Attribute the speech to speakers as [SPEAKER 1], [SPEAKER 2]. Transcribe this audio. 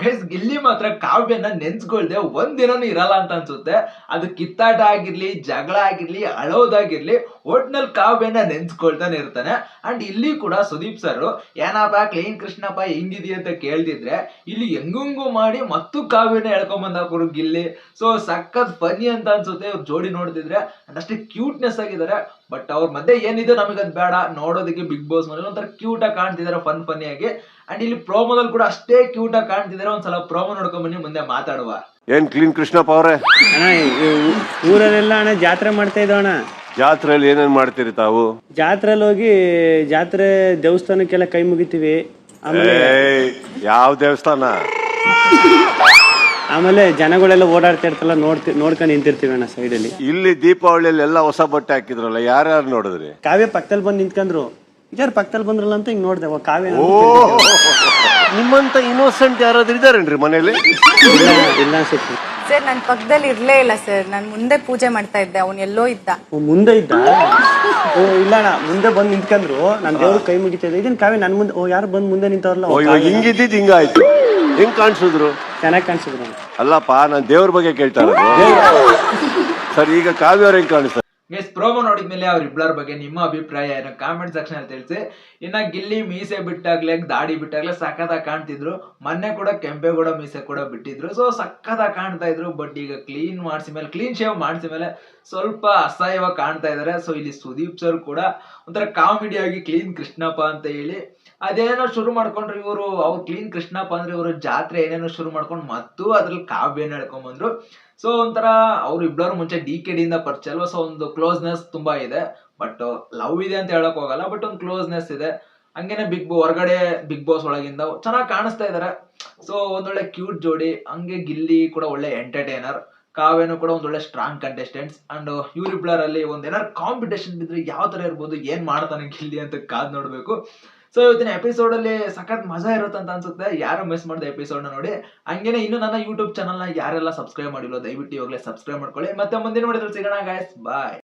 [SPEAKER 1] Guys Gilli ಮಾತ್ರ ಕಾವ್ಯನ ನೆನ್ಸ್ಕೊಳ್ದೆ ಒಂದಿನನೂ ಇರಲ್ಲ ಅಂತ ಅನ್ಸುತ್ತೆ. ಅದು ಕಿತ್ತಾಟ ಆಗಿರ್ಲಿ, ಜಗಳ ಆಗಿರ್ಲಿ, ಅಳೋದಾಗಿರ್ಲಿ, ಒಟ್ನಲ್ಲಿ ಕಾವ್ಯನ ನೆನ್ಸ್ಕೊಳ್ತಾನೆ ಇರ್ತಾನೆ. ಅಂಡ್ ಇಲ್ಲಿ ಕೂಡ ಸುದೀಪ್ ಸರ್ ಏನಪ್ಪ ಕ್ಲೀನ್ ಕೃಷ್ಣಪ್ಪ ಹೆಂಗಿದಿ ಅಂತ ಕೇಳ್ತಿದ್ರೆ ಇಲ್ಲಿ ಹೆಂಗಂಗೂ ಮಾಡಿ ಮತ್ತು ಕಾವ್ಯನ ಎಳ್ಕೊಂಬಂದಾಕರು ಗಿಲ್ಲಿ. ಸೊ ಸಖತ್ ಫನಿ ಅಂತ ಅನ್ಸುತ್ತೆ ಇವ್ರ ಜೋಡಿ ನೋಡ್ತಿದ್ರೆ. ಅಂಡ್ ಅಷ್ಟೇ ಕ್ಯೂಟ್ನೆಸ್ ಆಗಿದ್ದಾರೆ. ಬಟ್ ಅವ್ರ ಮಧ್ಯೆ ಏನಿದೆ ನಮಗದ್ ಬೇಡ, ನೋಡೋದಕ್ಕೆ ಬಿಗ್ ಬಾಸ್ ಮನೇಲಿ ಒಂಥರ ಕ್ಯೂಟ್ ಆಗಿ ಕಾಣ್ತಿದಾರೆ, ಫನಿ ಆಗಿ. ಅಂಡ್ ಇಲ್ಲಿ ಪ್ರೋಮೋದಲ್ಲಿ ಕೂಡ ಅಷ್ಟೇ ಕ್ಯೂಟ್ ಆಗಿ ಕಾಣ್ತಿದಾರೆ. ಒಂದ್ಸಲ ಪ್ರೋಮೋ ನೋಡ್ಕೊಂಡ್ ಬನ್ನಿ, ಮುಂದೆ ಮಾತಾಡುವ.
[SPEAKER 2] ಏನ್ ಕ್ಲೀನ್ ಕೃಷ್ಣಪ್ಪ ಅವ್ರೆ?
[SPEAKER 3] ಅಣ್ಣ ಊರಲ್ಲೆಲ್ಲ ಅಣ್ಣ ಜಾತ್ರೆ ಮಾಡ್ತಾ ಇದ್ದೋ ಅಣ್ಣ.
[SPEAKER 2] ಜಾತ್ರೆಯಲ್ಲಿ ಏನೇನ್ ಮಾಡ್ತೀರಿ ತಾವು?
[SPEAKER 3] ಜಾತ್ರೆಯಲ್ಲಿ ಹೋಗಿ ಜಾತ್ರೆ ದೇವಸ್ಥಾನಕ್ಕೆಲ್ಲ ಕೈ ಮುಗಿತೀವಿ.
[SPEAKER 2] ಯಾವ ದೇವಸ್ಥಾನ?
[SPEAKER 3] ಆಮೇಲೆ ಜನಗಳೆಲ್ಲ ಓಡಾಡ್ತಾ ಇರ್ತಲ್ಲ, ನೋಡ್ಕೊಂಡು ನಿಂತಿರ್ತೀವಿ ಅಣ್ಣ ಸೈಡಲ್ಲಿ.
[SPEAKER 2] ಇಲ್ಲಿ ದೀಪಾವಳಿಯಲ್ಲಿ ಎಲ್ಲ ಹೊಸ ಬಟ್ಟೆ ಹಾಕಿದ್ರಲ್ಲ, ಯಾರ್ಯಾರು ನೋಡಿದ್ರಿ?
[SPEAKER 3] ಕಾವ್ಯ ಪಕ್ಕದಲ್ಲಿ ಬಂದು ನಿಂತ್ಕೊಂಡ್ರು. ಯಾರು ಪಕ್ಕದಲ್ಲಿ ಬಂದ್ರಲ್ಲ ಅಂತ ಹಿಂಗ್ ನೋಡ್ದೆ, ಕಾವ್ಯ.
[SPEAKER 2] ನಿಮ್ಮಂತ ಇನ್ನೋಸೆಂಟ್ ಯಾರಾದ್ರೂ ಇದಾರೇನ್ರಿ ಮನೇಲಿ?
[SPEAKER 3] ಇಲ್ಲ ಅನ್ಸುತ್ತೆ
[SPEAKER 4] ಸರ್. ನನ್ ಪಕ್ಕದಲ್ಲಿ ಇರ್ಲೇ ಇಲ್ಲ ಸರ್. ನಾನು ಮುಂದೆ ಪೂಜೆ ಮಾಡ್ತಾ ಇದ್ದೆ, ಅವ್ನು ಎಲ್ಲೋ ಇದ್ದ.
[SPEAKER 3] ಮುಂದೆ ಇದ್ದ? ಓ ಇಲ್ಲ ಅಣ್ಣ, ಮುಂದೆ ಬಂದು ನಿಂತ್ಕೊಂಡ್ರು. ನಾನು ದೇವ್ರ ಕೈ ಮುಗಿತಾ ಇದ್ದೆ. ಇದನ್ ಕಾವ್ಯ ನನ್ ಮುಂದೆ. ಯಾರು ಬಂದು ಮುಂದೆ ನಿಂತವ್ರಲ್ಲ,
[SPEAKER 2] ಹಿಂಗಿದ್ದಿದ್ ಹಿಂಗಾಯ್ತು. ಹೆಂಗ್ ಕಾಣಿಸಿದ್ರು?
[SPEAKER 3] ಚೆನ್ನಾಗಿ ಕಾಣಿಸಿದ್ರು.
[SPEAKER 2] ಅಲ್ಲಪ್ಪ, ನಾನ್ ದೇವ್ರ ಬಗ್ಗೆ ಕೇಳ್ತಾ ಇರೋದು. ಸರ್, ಈಗ ಕಾವ್ಯ ಅವ್ರ ಹೆಂಗ್ ಕಾಣಿಸ್ತಾರೆ?
[SPEAKER 1] ಗೈಸ್ ಪ್ರೋಮೋ ನೋಡಿದ್ಮೇಲೆ ಅವ್ರಿಬ್ಳರ ಬಗ್ಗೆ ನಿಮ್ಮ ಅಭಿಪ್ರಾಯ ಏನೋ ಕಾಮೆಂಟ್ ಸೆಕ್ಷನ್ ಅಲ್ಲಿ ತಿಳಿಸಿ. ಇನ್ನ ಗಿಲ್ಲಿ ಮೀಸೆ ಬಿಟ್ಟಾಗ್ಲೇ, ದಾಡಿ ಬಿಟ್ಟಾಗ್ಲೇ ಸಖತ್ತಾಗಿ ಕಾಣ್ತಿದ್ರು. ಮೊನ್ನೆ ಕೂಡ ಕೆಂಪೇಗೌಡ ಮೀಸೆ ಕೂಡ ಬಿಟ್ಟಿದ್ರು. ಸೊ ಸಖತ್ತಾಗಿ ಕಾಣ್ತಾ ಇದ್ರು. ಬಟ್ ಈಗ ಕ್ಲೀನ್ ಶೇವ್ ಮಾಡಿಸಿ ಮೇಲೆ ಸ್ವಲ್ಪ ಅಸಹ್ಯವಾಗಿ ಕಾಣ್ತಾ ಇದಾರೆ. ಸೊ ಇಲ್ಲಿ ಸುದೀಪ್ ಸರ್ ಕೂಡ ಒಂಥರ ಕಾಮಿಡಿ ಆಗಿ ಕ್ಲೀನ್ ಕೃಷ್ಣಪ್ಪ ಅಂತ ಹೇಳಿ ಅದೇನೋ ಶುರು ಮಾಡ್ಕೊಂಡ್ರು ಇವರು. ಅವ್ರು ಕ್ಲೀನ್ ಕೃಷ್ಣಪ್ಪ ಅಂದ್ರೆ ಇವರು ಜಾತ್ರೆ ಏನೇನೋ ಶುರು ಮಾಡ್ಕೊಂಡು ಮತ್ತು ಅದ್ರಲ್ಲಿ ಕಾವ್ಯನ ಹೇಳ್ಕೊಂಡ್ ಬಂದ್ರು. ಸೊ ಒಂಥರ ಅವ್ರು ಇಬ್ಬರು ಮುಂಚೆ DKD ಇಂದ ಪರಿಚಯ ಅಲ್ವಾ. ಸೊ ಒಂದು ಕ್ಲೋಸ್ನೆಸ್ ತುಂಬಾ ಇದೆ. ಬಟ್ ಲವ್ ಇದೆ ಅಂತ ಹೇಳಕ್ ಹೋಗಲ್ಲ, ಬಟ್ ಒಂದು ಕ್ಲೋಸ್ನೆಸ್ ಇದೆ. ಹಂಗೇನೆ ಹೊರಗಡೆ ಬಿಗ್ ಬಾಸ್ ಒಳಗಿಂದ ಚೆನ್ನಾಗಿ ಕಾಣಿಸ್ತಾ ಇದಾರೆ. ಸೊ ಒಂದೊಳ್ಳೆ ಕ್ಯೂಟ್ ಜೋಡಿ. ಹಂಗೆ ಗಿಲ್ಲಿ ಕೂಡ ಒಳ್ಳೆ ಎಂಟರ್ಟೈನರ್, ಕಾವ್ಯನು ಕೂಡ ಒಂದೊಳ್ಳೆ ಸ್ಟ್ರಾಂಗ್ ಕಂಟೆಸ್ಟೆಂಟ್ಸ್. ಅಂಡ್ ಇವರಿಬ್ಬರಲ್ಲಿ ಒಂದೇನಾರು ಕಾಂಪಿಟೇಷನ್ ಬಿದ್ರೆ ಯಾವ ತರ ಇರ್ಬೋದು, ಏನ್ ಮಾಡ್ತಾನೆ ಗಿಲ್ಲಿ ಅಂತ ಕಾದ್ ನೋಡ್ಬೇಕು. ಸೊ ಇವತ್ತಿನ ಎಪಿಸೋಡ್ ಅಲ್ಲಿ ಸಖತ್ ಮಜಾ ಇರುತ್ತೆ ಅಂತ ಅನ್ಸುತ್ತೆ. ಯಾರು ಮಿಸ್ ಮಾಡಿದ ಎಪಿಸೋಡ್ ನ ನೋಡಿ. ಹಂಗೇನೆ ಇನ್ನು ನನ್ನ ಯೂಟ್ಯೂಬ್ ಚಾನಲ್ ನ ಯಾರೆಲ್ಲ ಸಬ್ಸ್ಕ್ರೈಬ್ ಮಾಡಿಲ್ಲ ದಯವಿಟ್ಟು ಇವಾಗಲೇ ಸಬ್ಸ್ಕ್ರೈಬ್ ಮಾಡ್ಕೊಳ್ಳಿ. ಮತ್ತೆ ಮುಂದಿನ ವಿಡಿಯೋದಲ್ಲಿ ಸಿಗೋಣ ಗೈಸ್, ಬಾಯ್.